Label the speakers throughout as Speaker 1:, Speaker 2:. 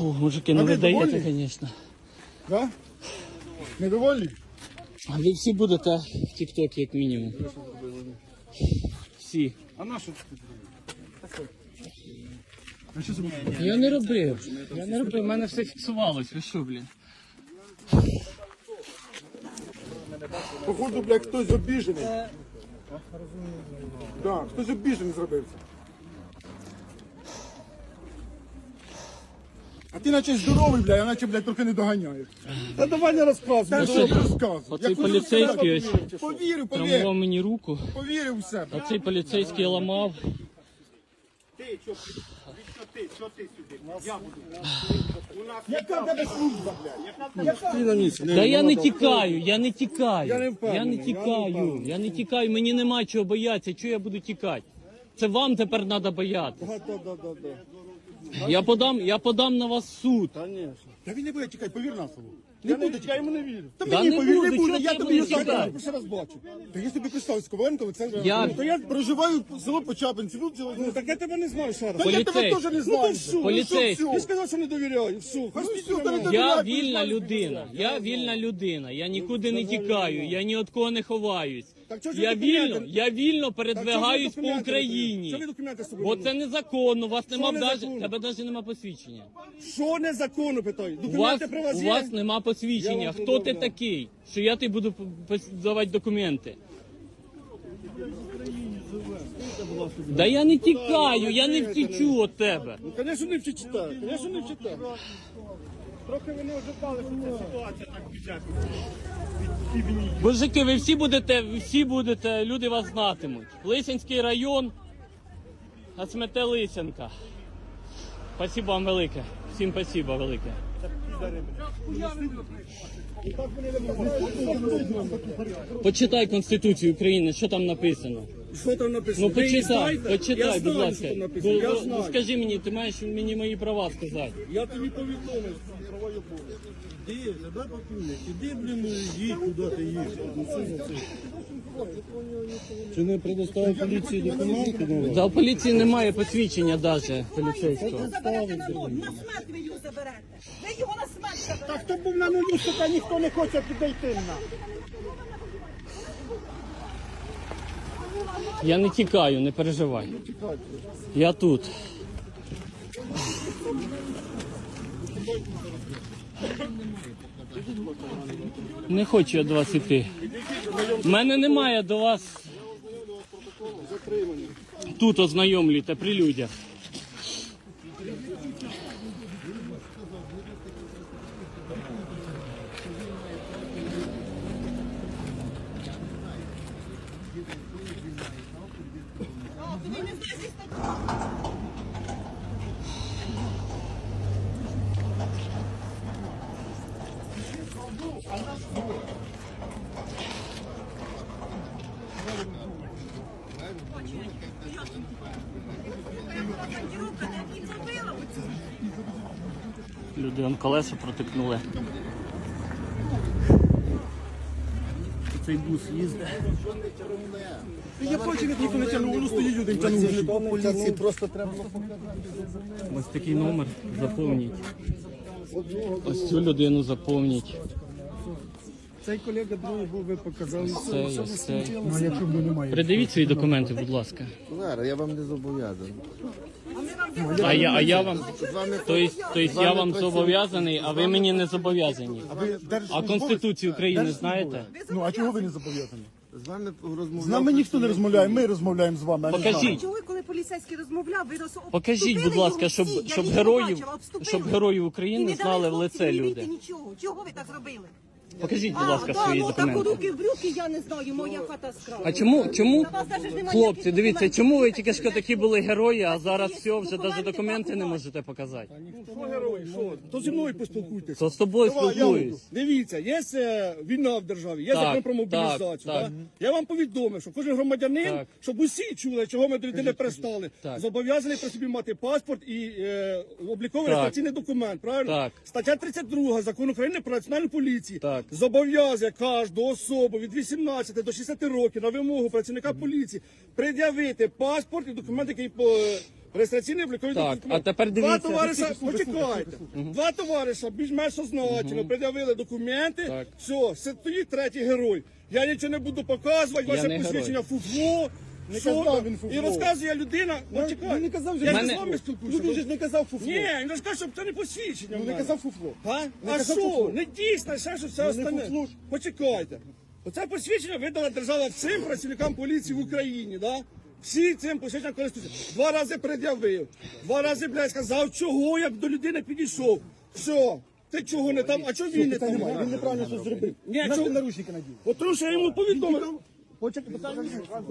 Speaker 1: Фу, мужики, ну ви даєте, звісно.
Speaker 2: Да? Недовольні?
Speaker 1: А ви всі будете в тік-токі, як мінімум. Всі.
Speaker 2: А на що ти? А що зробив?
Speaker 1: Я не робив. В мене все фіксувалось. Ви що, блін?
Speaker 2: Походу, блядь, хтось обіжений. Так, хтось обіжений зробився. А ти наче здоровий, блядь, а наче, блядь, трохи не доганяєш. Та давай не розказуй,
Speaker 1: Та
Speaker 2: що
Speaker 1: що?
Speaker 2: розказуй.
Speaker 1: Оцей поліцейський ось
Speaker 2: Повірив,
Speaker 1: травмував
Speaker 2: повірив.
Speaker 1: мені руку.
Speaker 2: Повірив у себе.
Speaker 1: Оцей поліцейський ламав.
Speaker 2: Яка в тебе служба, блядь?
Speaker 1: Та я не тікаю.
Speaker 2: Я не
Speaker 1: Я не тікаю, мені нема чого боятися. Чого я буду тікати? Це вам тепер треба боятися. Я подам на вас в суд.
Speaker 2: Та він не буде тікати, повір на слово. Не буде тікати, я йому не вірю. Та
Speaker 1: Да
Speaker 2: мені
Speaker 1: не
Speaker 2: повір,
Speaker 1: буде,
Speaker 2: не буде,
Speaker 1: чого
Speaker 2: я
Speaker 1: ти
Speaker 2: тобі
Speaker 1: будеш
Speaker 2: його
Speaker 1: тікати?
Speaker 2: перший раз бачу. Та я собі представив, з Коваленко, це...
Speaker 1: Я-
Speaker 2: Ну, то я проживаю в село Почапинці, ну, так я тебе не знаю ще раз. Та я тебе
Speaker 1: Поліцейський.
Speaker 2: теж не знаю.
Speaker 1: Поліцейський.
Speaker 2: Поліцейський. Ти сказав, що не довіряю, все. Хай все, та не довіряю.
Speaker 1: Я вільна людина. Я нікуди не тікаю, я ні від кого не ховаюсь.
Speaker 2: Так чого ж
Speaker 1: Я
Speaker 2: ви документи-
Speaker 1: вільно
Speaker 2: Так чого ж
Speaker 1: передвигаюсь
Speaker 2: ви
Speaker 1: по
Speaker 2: документи Що
Speaker 1: Україні.
Speaker 2: ви документи з собою?
Speaker 1: Бо
Speaker 2: не
Speaker 1: це незаконно, у вас нема
Speaker 2: незаконно?
Speaker 1: тебе навіть нема посвідчення.
Speaker 2: Що незаконно, питаю?
Speaker 1: У вас,
Speaker 2: Документи при вас
Speaker 1: у
Speaker 2: є?
Speaker 1: вас нема
Speaker 2: Я
Speaker 1: посвідчення.
Speaker 2: вам
Speaker 1: Хто ти
Speaker 2: пред'являю.
Speaker 1: такий, що я тобі буду давати документи? Да я не тікаю, я не втічу від тебе.
Speaker 2: Ну, звісно, не вчитаю. Звісно, не вчитаю. Трохи ви не ожидали, що ця ситуація так піде.
Speaker 1: Мужики, ви всі будете, люди вас знатимуть. Лисянський район, Асмете Лисянка. Спасибо вам велике. Всім спасибо велике. Почитай Конституцію України, що там написано.
Speaker 2: Що там написано?
Speaker 1: Ну
Speaker 2: Ви її
Speaker 1: почитай,
Speaker 2: знаєте?
Speaker 1: почитай,
Speaker 2: Я
Speaker 1: будь
Speaker 2: знаю,
Speaker 1: ласка.
Speaker 2: що там написано. Я
Speaker 1: Ну,
Speaker 2: знаю.
Speaker 1: скажи мені, ти маєш мені мої права сказати.
Speaker 2: Я тобі повідомив, що права є повні.
Speaker 3: Іди, задай пакунок, іди, блін, їдь, куди ти їдеш. Ну, що за це? Чи не предоставив поліції документи на вас?
Speaker 1: Да, у поліції немає посвідчення навіть поліцейського.
Speaker 4: Ви заберете на нуль, на смерть ви його заберете. Ви його на смерть заберете.
Speaker 2: Та хто був на нулю, сука, ніхто не хоче підійти на.
Speaker 1: Я не тікаю, не переживай. Я тут. Не хочу я до вас іти. У мене немає до вас. Тут ознайомлюйте при людях. Люди он колеса протикнули. Цей бус їздить.
Speaker 2: Я бачив, як ніхто не тягнув, воно стоїть один тягнув.
Speaker 3: Поліції просто треба.
Speaker 1: Ось такий номер заповніть. Ось цю людину заповніть.
Speaker 3: Цей колега другий був, ви показали.
Speaker 1: Ось цей.
Speaker 2: Ну, якщо б немає.
Speaker 1: Придивіть свої документи, будь ласка.
Speaker 3: Зараз, я вам не зобов'язаний.
Speaker 1: А я вам, тобто я вам зобов'язаний, а ви мені не зобов'язані. А Конституцію України знаєте?
Speaker 2: Ну, а чого ви не зобов'язані?
Speaker 3: З вами розмовляв.
Speaker 2: З нами ніхто не розмовляє, ми розмовляємо з вами, а не з нами.
Speaker 1: Покажіть.
Speaker 4: Чого, коли поліцейський розмовляв, ви
Speaker 1: Покажіть, будь ласка, щоб героїв України знали в лице люди.
Speaker 4: Нічого. Чого ви так зробили?
Speaker 1: Покажіть, будь ласка, свої
Speaker 4: так
Speaker 1: документи.
Speaker 4: руки в брюки, я не знаю, моя хата скрала.
Speaker 1: А чому,
Speaker 4: На вас даже ж немає
Speaker 1: хлопці,
Speaker 4: ніяких
Speaker 1: дивіться,
Speaker 4: документів.
Speaker 1: чому ви тільки що такі були герої, а зараз
Speaker 4: Є
Speaker 1: все, вже
Speaker 4: документи,
Speaker 1: навіть документи не
Speaker 4: пакувати.
Speaker 1: можете показати?
Speaker 2: Що герой, що? То зі мною поспілкуйтесь.
Speaker 1: То з тобою спілкуюсь.
Speaker 2: Дивіться, є війна в державі, є
Speaker 1: Так,
Speaker 2: закон про мобілізацію.
Speaker 1: так,
Speaker 2: Так? Я вам повідомив, що кожен громадянин,
Speaker 1: Так.
Speaker 2: щоб усі чули, чого ми до людини пристали,
Speaker 1: Так.
Speaker 2: зобов'язаний при собі мати паспорт і обліковий
Speaker 1: Так.
Speaker 2: реєстраційний документ. Правильно?
Speaker 1: Так.
Speaker 2: Стаття 32 Закону України про національну поліцію
Speaker 1: Так.
Speaker 2: зобов'язує кожну особу від 18 до 60 років на вимогу працівника поліції пред'явити паспорт і документ, який Реєстраційний обліковий
Speaker 1: Так,
Speaker 2: документ.
Speaker 1: а тепер
Speaker 2: Два
Speaker 1: дивіться.
Speaker 2: товариша, почекайте. Два товариша більш-менш означено, пред'явили документи.
Speaker 1: Так.
Speaker 2: Все, стоїть третій герой. Я нічого не буду показувати,
Speaker 1: Я
Speaker 2: ваше
Speaker 1: не
Speaker 2: посвідчення фуфло.
Speaker 3: Не
Speaker 2: Що
Speaker 3: казав
Speaker 2: там?
Speaker 3: він фуфло.
Speaker 2: І розказує людина,
Speaker 3: Він
Speaker 2: почекай.
Speaker 3: не казав,
Speaker 2: Я ж
Speaker 1: Мене-
Speaker 2: з вами спілкуюся.
Speaker 3: Ну, він же ж не казав фуфло.
Speaker 2: Ні, він розказав, що це не посвідчення.
Speaker 3: Ну
Speaker 2: в
Speaker 3: не
Speaker 2: мене.
Speaker 3: казав фуфло.
Speaker 2: А?
Speaker 3: Не
Speaker 2: А
Speaker 3: казав
Speaker 2: що?
Speaker 3: фуфло.
Speaker 2: Не дійсно, ще що все
Speaker 3: Ну, не
Speaker 2: остальне.
Speaker 3: фуфло ж.
Speaker 2: Почекайте. Оце посвідчення видала держава всім працівникам поліції в Україні, да? Всі цим посвідченням користуються. 2 рази пред'явив. 2 рази, блядь, сказав, чого я б до людини підійшов. Все. Ти чого не там, а чого він не
Speaker 3: Питань
Speaker 2: там?
Speaker 3: немає, він неправильно щось зробив.
Speaker 2: Ні,
Speaker 3: Наш
Speaker 2: чого-
Speaker 3: ти наручники надів.
Speaker 2: От тому що я йому повідомив.
Speaker 3: Почекай, питання.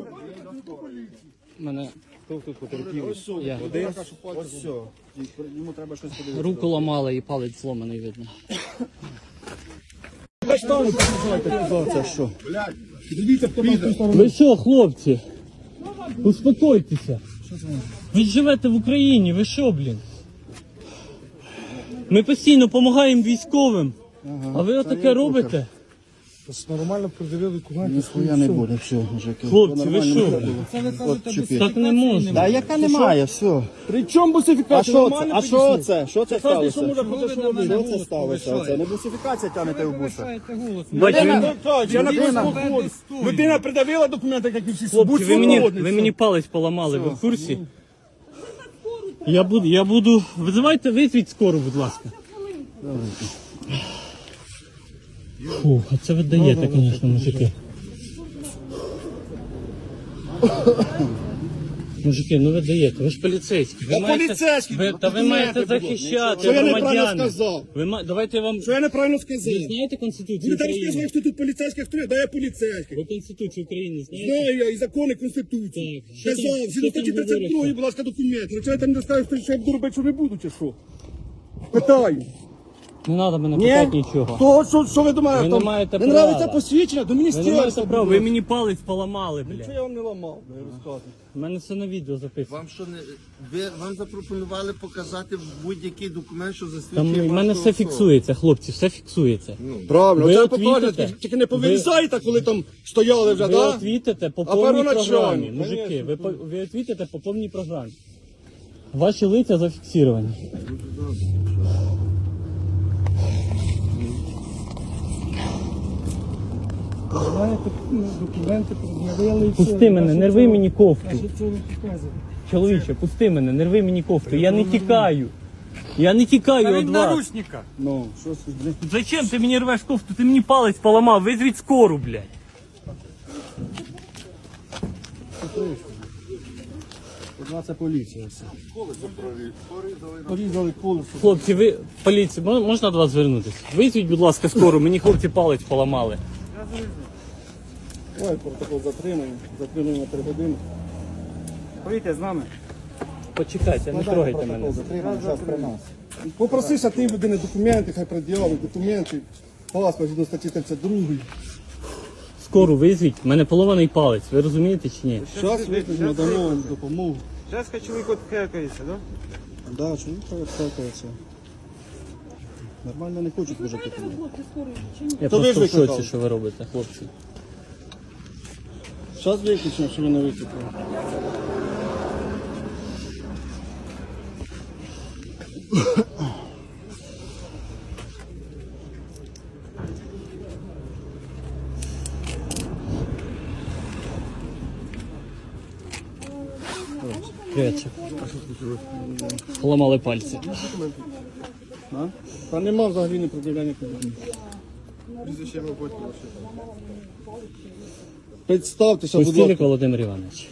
Speaker 1: Мене я.
Speaker 3: Ось все. Йому треба щось подивитися.
Speaker 1: Руку ламали і палець зломаний видно.
Speaker 3: Це що? Дивіться, хто там в ту сторону.
Speaker 1: Ви що, хлопці? Успокойтеся. Ви ж живете в Україні, ви що, блін? Ми постійно допомагаємо військовим. А ви отаке робите?
Speaker 3: Нормально пред'явили документи.
Speaker 5: Ніхуя не буде, все, мужики.
Speaker 1: Хлопці, ви що? блін? Так не можна.
Speaker 5: Та яка немає, все.
Speaker 2: При чому
Speaker 5: А
Speaker 2: бусифікація?
Speaker 5: що це? А що це? Що це сталося?
Speaker 2: Що може бути, що робити?
Speaker 5: Що це сталося? Це не бусифікація тягнете в буса.
Speaker 1: Бачите,
Speaker 2: Я написав ходу. Людина придавила документи, як і всі.
Speaker 1: хлопці,
Speaker 2: Будь
Speaker 1: ви мені
Speaker 2: свободний.
Speaker 1: палець поламали, ви в курсі? Я буду... Визвіть скору, будь ласка. Фу, а це ви даєте, звісно, мужики. Мужики, ну ви даєте, ви ж поліцейські. Ви
Speaker 2: Я поліцейський,
Speaker 1: ви
Speaker 2: документи,
Speaker 1: маєте
Speaker 2: будь ласка.
Speaker 1: захищати
Speaker 2: Що я неправильно
Speaker 1: громадян.
Speaker 2: сказав?
Speaker 1: Давайте я вам...
Speaker 2: Що я неправильно сказав?
Speaker 1: Ви знаєте Конституцію
Speaker 2: Ви там
Speaker 1: України?
Speaker 2: сказали, хто тут поліцейський, хто я? Да я поліцейський.
Speaker 1: Ви Конституцію України знаєте?
Speaker 2: Знаю я і закони Конституції.
Speaker 1: Так, що там-
Speaker 2: Казав,
Speaker 1: що
Speaker 2: згідно
Speaker 1: там
Speaker 2: статті 32,
Speaker 1: говориться?
Speaker 2: будь ласка, документи. Якщо я там не скажу, що я буду робити, що не буду, чи що? Питаю.
Speaker 1: Не треба мене питати нічого.
Speaker 2: То, що ви думаєте?
Speaker 1: Ви не
Speaker 2: там,
Speaker 1: маєте
Speaker 2: не
Speaker 1: права.
Speaker 2: нравиться посвідчення, до
Speaker 1: Ви не маєте
Speaker 2: міністерства.
Speaker 1: права,
Speaker 2: будь
Speaker 1: ви
Speaker 2: ласка.
Speaker 1: мені палець поламали,
Speaker 2: Що
Speaker 1: блядь.
Speaker 2: я вам не ламав, я розказую.
Speaker 1: У мене все на відео записано.
Speaker 5: Вам що не вам запропонували показати будь-який документ, що
Speaker 1: Там
Speaker 5: засвідчує
Speaker 1: в мене
Speaker 5: вашу
Speaker 1: все
Speaker 5: особу?
Speaker 1: фіксується, хлопці, все фіксується.
Speaker 2: Правильно,
Speaker 1: Ви
Speaker 2: це
Speaker 1: от
Speaker 2: покажете,
Speaker 1: вітите?
Speaker 2: тільки не повирізайте, коли там стояли вже,
Speaker 1: Ви
Speaker 2: да?
Speaker 1: отвітите по
Speaker 2: А
Speaker 1: повній
Speaker 2: первоначально?
Speaker 1: програмі, мужики, ви отвітите по повній програмі. Ваші лиця зафіксовані.
Speaker 3: Знаєте, документи пред'явили і все.
Speaker 1: Пусти мене, не рви мені кофту.
Speaker 3: Що це ви показуєте?
Speaker 1: Чоловіче, пусти мене, не рви мені кофту. Я не тікаю. Я не тікаю від вас.
Speaker 3: Ну, що це, блін?
Speaker 1: Зачем ти мені рвеш кофту? Ти мені палець поламав, визвіть скору, блядь.
Speaker 3: Одна це поліція все. Порізали колесо.
Speaker 1: Хлопці, ви поліція, можна до вас звернутися? Визвіть, будь ласка, скору, мені хлопці палець поламали.
Speaker 3: Ой, протокол затримання. Затримання на 3 години. Поїдьте з нами.
Speaker 1: Почекайте, не трогайте мене.
Speaker 3: Затримання зараз при нас. Попросися ти людини документи, хай пред'явить документи. Паспорт до статті 32.
Speaker 1: Скору визвіть, в мене поломаний палець, ви розумієте чи ні?
Speaker 3: Зараз викликаємо, дамо вам допомогу.
Speaker 6: Сейчас чоловік от хекається, да?
Speaker 3: Да, чоловік відстакується. Нормально не хочуть вже допомогти.
Speaker 1: Я
Speaker 3: То ви
Speaker 1: просто
Speaker 3: ж
Speaker 1: в шоці,
Speaker 3: викликали.
Speaker 1: що ви робите, хлопці.
Speaker 3: Зараз виключимо, що ви не викликали.
Speaker 1: Привіт. Поламали пальці.
Speaker 3: А? Та нема взагалі не пред'являння проблем. Представтеся, будь
Speaker 1: Пустілик
Speaker 3: ласка.
Speaker 1: Володимир Іванович.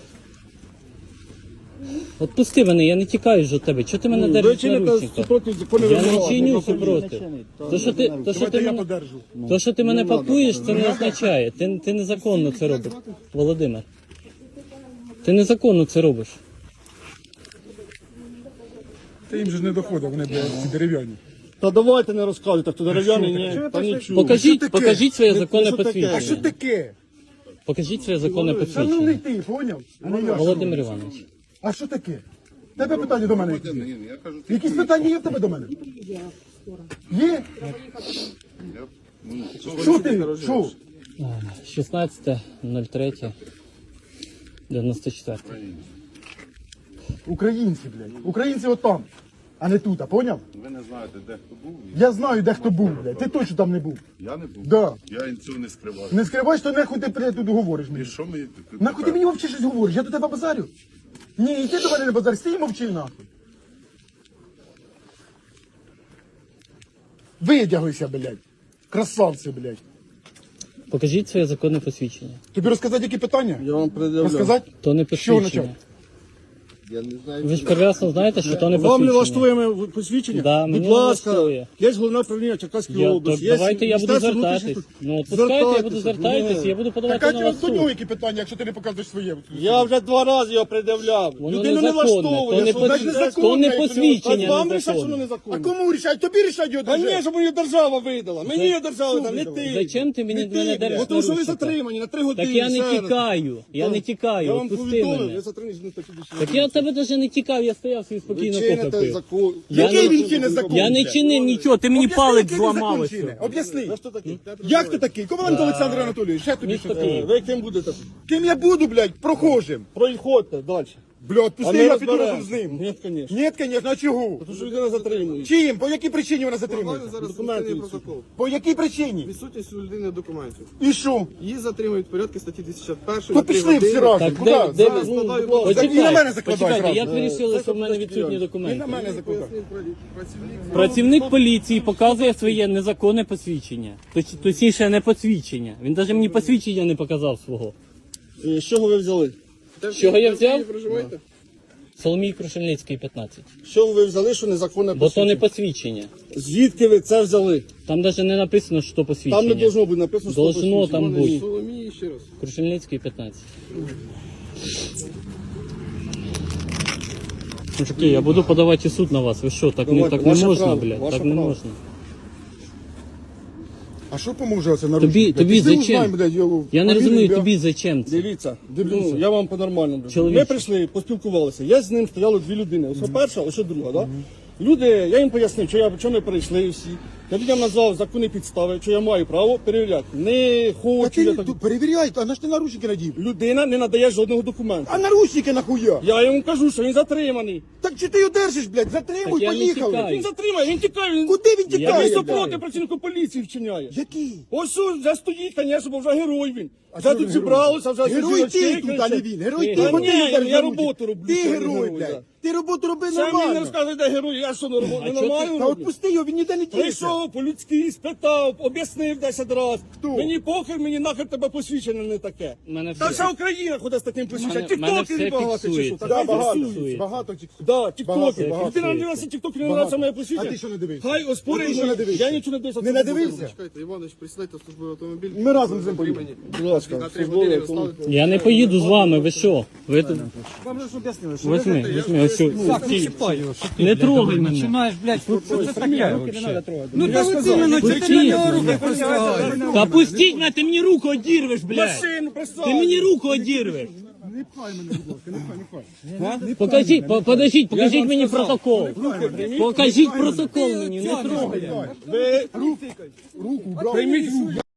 Speaker 1: От пусти мене, я не тікаю ж від тебе. Чого ти мене
Speaker 3: Ви
Speaker 1: держиш на
Speaker 3: чините
Speaker 1: ручниках?
Speaker 3: супроти законів
Speaker 1: Я не
Speaker 3: вимоги.
Speaker 1: чиню супроти. То, що ти мене пакуєш, це не означає. Ти незаконно це робиш, Володимир. Ти незаконно це робиш.
Speaker 7: Та їм же ж не доходить, вони блядь, дерев'яні.
Speaker 3: Та давайте не розказуйте, хто дерев'яний, ні, та нічого.
Speaker 1: Покажіть своє законне
Speaker 3: що таке?
Speaker 7: А що
Speaker 1: посвідчення.
Speaker 7: таке?
Speaker 1: Покажіть своє законне
Speaker 7: Шановний
Speaker 1: посвідчення.
Speaker 7: ти, поняв? А не я.
Speaker 1: Володимир Іванович.
Speaker 7: А що таке? Тебе питання до мене які? Якісь питання є в тебе до мене? Є? Що ти? Що?
Speaker 1: 16.03.94.
Speaker 7: Українці, блядь. Українці отам, а не тут, а поняв?
Speaker 8: Ви не знаєте, де хто був?
Speaker 7: Я знаю, де хто був, блядь. Ти точно там не був.
Speaker 8: Я не був.
Speaker 7: Да.
Speaker 8: Я цього не скриваю.
Speaker 7: Не скривай, що нахуй ти, блядь, тут говориш мені.
Speaker 8: І що ми...
Speaker 7: Нахуй ти мені мовчиш щось говориш? Я до тебе базарю? Ні, і ти до мене не базар, стій і мовчи нахуй. Видягуйся, блядь. Красавці, блядь.
Speaker 1: Покажіть своє законне посвідчення.
Speaker 7: Тобі розказати, які питання?
Speaker 3: Я вам пред'являю.
Speaker 7: Розказати?
Speaker 1: То не
Speaker 7: Що почати?
Speaker 1: посвідчення.
Speaker 5: Я не знаю.
Speaker 1: Ви ж прекрасно знаєте, що то не
Speaker 2: Вам не
Speaker 1: посвідчення.
Speaker 2: влаштує моє посвідчення?
Speaker 1: Да,
Speaker 2: Будь
Speaker 1: мені
Speaker 2: ласка,
Speaker 1: влаштує.
Speaker 2: є головне управління Черкаської
Speaker 1: Я, то
Speaker 2: області. є
Speaker 1: давайте я буду
Speaker 2: Міністерство
Speaker 1: звертатись.
Speaker 2: внутрішніх справ.
Speaker 1: Ну, от пускайте, я буду
Speaker 2: Звертайтеся.
Speaker 1: звертатись, я буду подавати
Speaker 7: Так,
Speaker 1: на
Speaker 7: а
Speaker 1: вас
Speaker 7: до
Speaker 1: суд.
Speaker 7: нього які питання, якщо ти не показуєш своє?
Speaker 2: Я вже 2 рази його пред'являв.
Speaker 1: Воно
Speaker 2: Людину не
Speaker 1: незаконне,
Speaker 2: влаштовує.
Speaker 1: то не
Speaker 2: що
Speaker 1: пос-
Speaker 2: значить
Speaker 1: то
Speaker 2: незаконне,
Speaker 1: не
Speaker 2: якщо
Speaker 1: посвідчення
Speaker 2: А вам рішать, що
Speaker 1: незаконне.
Speaker 2: воно
Speaker 7: А
Speaker 2: незаконне.
Speaker 7: кому рішать? Тобі рішать його
Speaker 2: Та
Speaker 7: держава.
Speaker 2: ні, щоб мені держава видала. Мені її держава видала, не ти.
Speaker 1: Зачем ти мені
Speaker 2: Не
Speaker 1: мене
Speaker 2: ти,
Speaker 1: держиш
Speaker 2: бо тому що ви
Speaker 1: наручника?
Speaker 2: затримані на 3 години.
Speaker 1: Так я не
Speaker 2: ще раз.
Speaker 1: тікаю, я не
Speaker 2: Я
Speaker 1: тікаю,
Speaker 2: вам
Speaker 1: відпусти
Speaker 2: повідомив,
Speaker 1: мене.
Speaker 2: ви затримані на статті 200.
Speaker 1: Так я від тебе навіть не тікав, я стояв собі спокійно
Speaker 2: чините
Speaker 1: кофе пив.
Speaker 2: закон.
Speaker 1: Я
Speaker 7: Який
Speaker 1: не-
Speaker 7: він чинить закон?
Speaker 1: Я не
Speaker 7: блядь?
Speaker 1: чинив нічого, ти мені
Speaker 7: Об'ясни,
Speaker 1: палець
Speaker 7: який він
Speaker 1: зламав.
Speaker 7: закон
Speaker 1: ось
Speaker 7: чинить.
Speaker 1: що.
Speaker 7: Об'ясни.
Speaker 2: Ви хто такий?
Speaker 7: Як ти такий? Команду Олександр Анатолійович, ще тобі
Speaker 1: Місто
Speaker 7: щось.
Speaker 1: Київ.
Speaker 2: Ви ким будете?
Speaker 7: Ким я буду, блядь, прохожим?
Speaker 2: Проїходьте далі.
Speaker 7: Блядь,
Speaker 2: А
Speaker 7: пусти,
Speaker 2: ми
Speaker 7: я піду
Speaker 2: розберемо.
Speaker 7: разом з ним.
Speaker 2: Ні, звісно.
Speaker 7: Ні, звісно, а чого?
Speaker 2: Тому що людина затримує.
Speaker 7: Чим? По якій причині вона затримується?
Speaker 3: Зараз
Speaker 2: Документи
Speaker 3: відсутній
Speaker 2: відсутні.
Speaker 3: протокол.
Speaker 7: По якій причині?
Speaker 3: Відсутність у людини документів.
Speaker 7: І що?
Speaker 3: Її затримують в порядку статті 251.
Speaker 7: То пішли всі разом.
Speaker 1: Так,
Speaker 7: Куди?
Speaker 1: де,
Speaker 7: Зараз.
Speaker 1: ну,
Speaker 3: складаю
Speaker 1: почекайте,
Speaker 7: І на мене закладай
Speaker 1: почекайте,
Speaker 7: зразу.
Speaker 1: як ви вирішили, що в мене відсутні
Speaker 7: І
Speaker 1: документи?
Speaker 7: на мене закладай.
Speaker 3: Працівник
Speaker 1: Працівник поліції показує своє незаконне посвідчення. Точніше, не посвідчення. Він навіть мені посвідчення не показав свого.
Speaker 2: З чого ви взяли?
Speaker 1: З чого я взяв?
Speaker 3: проживаєте?
Speaker 1: Соломій Крушельницький, 15.
Speaker 2: З чого ви взяли, що незаконне
Speaker 1: Бо то не
Speaker 2: посвідчення?
Speaker 1: посвідчення.
Speaker 2: Звідки ви це взяли?
Speaker 1: Там навіть не написано, що посвідчення.
Speaker 2: Там не должно бути написано, що
Speaker 1: Должно
Speaker 2: посвідчення.
Speaker 1: там бути.
Speaker 3: Соломії ще раз.
Speaker 1: Крушельницький, 15. Мужики, я буду подавати в суд на вас. Ви що, так не,
Speaker 2: Давайте,
Speaker 1: так не
Speaker 2: ваше
Speaker 1: можна,
Speaker 2: право,
Speaker 1: блядь?
Speaker 2: ваше
Speaker 1: Так не
Speaker 2: право.
Speaker 1: можна.
Speaker 7: А що поможе оце наручник?
Speaker 1: Тобі,
Speaker 7: блядь?
Speaker 1: тобі
Speaker 7: Пішли
Speaker 1: зачем?
Speaker 7: узнаємо, блядь, його
Speaker 1: Я не
Speaker 7: фамілію,
Speaker 1: розумію,
Speaker 7: ім'я.
Speaker 1: тобі зачем це?
Speaker 2: Дивіться, ну, я вам по-нормальному.
Speaker 1: Чоловіче.
Speaker 2: Ми прийшли, поспілкувалися. Я з ним стояло 2 людини. Ось перша, ось друга, да? Люди, я їм пояснив, що ми прийшли всі. Я людям назвав законні підстави, що я маю право перевіряти. Не
Speaker 7: Та
Speaker 2: хочу
Speaker 7: ти
Speaker 2: я
Speaker 7: не
Speaker 2: так.
Speaker 7: тут перевіряй, а на ж ти наручники надів?
Speaker 2: Людина не надає жодного документу.
Speaker 7: А наручники нахуя?
Speaker 2: Я йому кажу, що він затриманий.
Speaker 7: Так чи ти його держиш, блядь? Затримуй,
Speaker 1: Так я не
Speaker 7: поїхали.
Speaker 1: тікаю.
Speaker 2: Він затримає, він тікає. Він...
Speaker 7: Куди він
Speaker 1: Я
Speaker 7: тікає?
Speaker 1: не
Speaker 2: Він
Speaker 1: тікаю.
Speaker 2: супроти працівнику поліції вчиняє.
Speaker 7: Який?
Speaker 2: Ось вже стоїть, звісно, бо вже герой він.
Speaker 7: А
Speaker 2: Вже
Speaker 7: що
Speaker 2: тут
Speaker 7: він
Speaker 2: зібралося, вже
Speaker 7: Герой
Speaker 2: всі
Speaker 7: ти
Speaker 2: очки
Speaker 7: тут, а не
Speaker 2: кричать.
Speaker 7: він. Герой
Speaker 1: Ти
Speaker 7: ти,
Speaker 2: герой.
Speaker 7: бо ти
Speaker 2: Ні,
Speaker 7: держиш
Speaker 2: я
Speaker 7: за
Speaker 2: роботу
Speaker 7: руки.
Speaker 2: роблю,
Speaker 7: Ти
Speaker 2: що я
Speaker 7: герой,
Speaker 2: герой,
Speaker 7: блядь.
Speaker 2: да.
Speaker 7: Ти роботу роби
Speaker 2: Це мені не
Speaker 7: нормально.
Speaker 2: розказує, де герой. Я що не
Speaker 1: чого ти-
Speaker 2: нормально
Speaker 7: Та
Speaker 2: роблю?
Speaker 7: отпусти його, він ніде не тіється.
Speaker 2: Прийшов, по-людськи спитав, об'яснив 10 разів.
Speaker 7: Хто?
Speaker 2: Мені похер, мені нахер тебе посвідчення не таке.
Speaker 1: Мене
Speaker 2: Та
Speaker 1: все-
Speaker 2: вся Україна ходить з таким посвідченням.
Speaker 1: мене все
Speaker 2: Тіктокери багато чи що.
Speaker 1: фіксується.
Speaker 2: Та
Speaker 7: Да, багато,
Speaker 2: фіксують.
Speaker 7: багато тіктоків.
Speaker 2: Да,
Speaker 7: Багато,
Speaker 2: тіктокери.
Speaker 7: багато.
Speaker 2: Людина не дивилася тіктокери, не
Speaker 7: Багато.
Speaker 2: нравиться моє посвідчення.
Speaker 7: А ти що не дивився?
Speaker 2: Хай оспорить.
Speaker 7: А ти що не дивився?
Speaker 2: Я нічого не дивився.
Speaker 7: Не надивився?
Speaker 3: Чекайте, Іванович, присідайте в службовий автомобіль.
Speaker 7: Ми разом з ним поїдемо.
Speaker 2: Будь ласка,
Speaker 3: На 3
Speaker 2: службовий
Speaker 3: години
Speaker 2: автомобіль.
Speaker 3: доставити.
Speaker 1: Я не поїду з вами, ви що? Ви тут...
Speaker 6: Вам же ж об'яснили, що
Speaker 1: Возьми, ось що.
Speaker 6: не чіпай його, що ти,
Speaker 1: Не
Speaker 6: блядь,
Speaker 1: трогай мене.
Speaker 6: починаєш, блядь, що це таке вообще?
Speaker 2: Ну,
Speaker 6: Ну, та от іменно, чи ти на нього руки простягаєш?
Speaker 1: Та пустіть мене, ти мені руку одірвеш, блядь.
Speaker 2: Машину присадь.
Speaker 1: Ти мені руку одірвеш.
Speaker 7: Не пхай мене, будь ласка, не пхай.
Speaker 1: Покажіть, покажіть мені протокол. Покажіть протокол мені, не трогай.
Speaker 2: Ви
Speaker 7: Руку, брав.
Speaker 2: прийміть руку.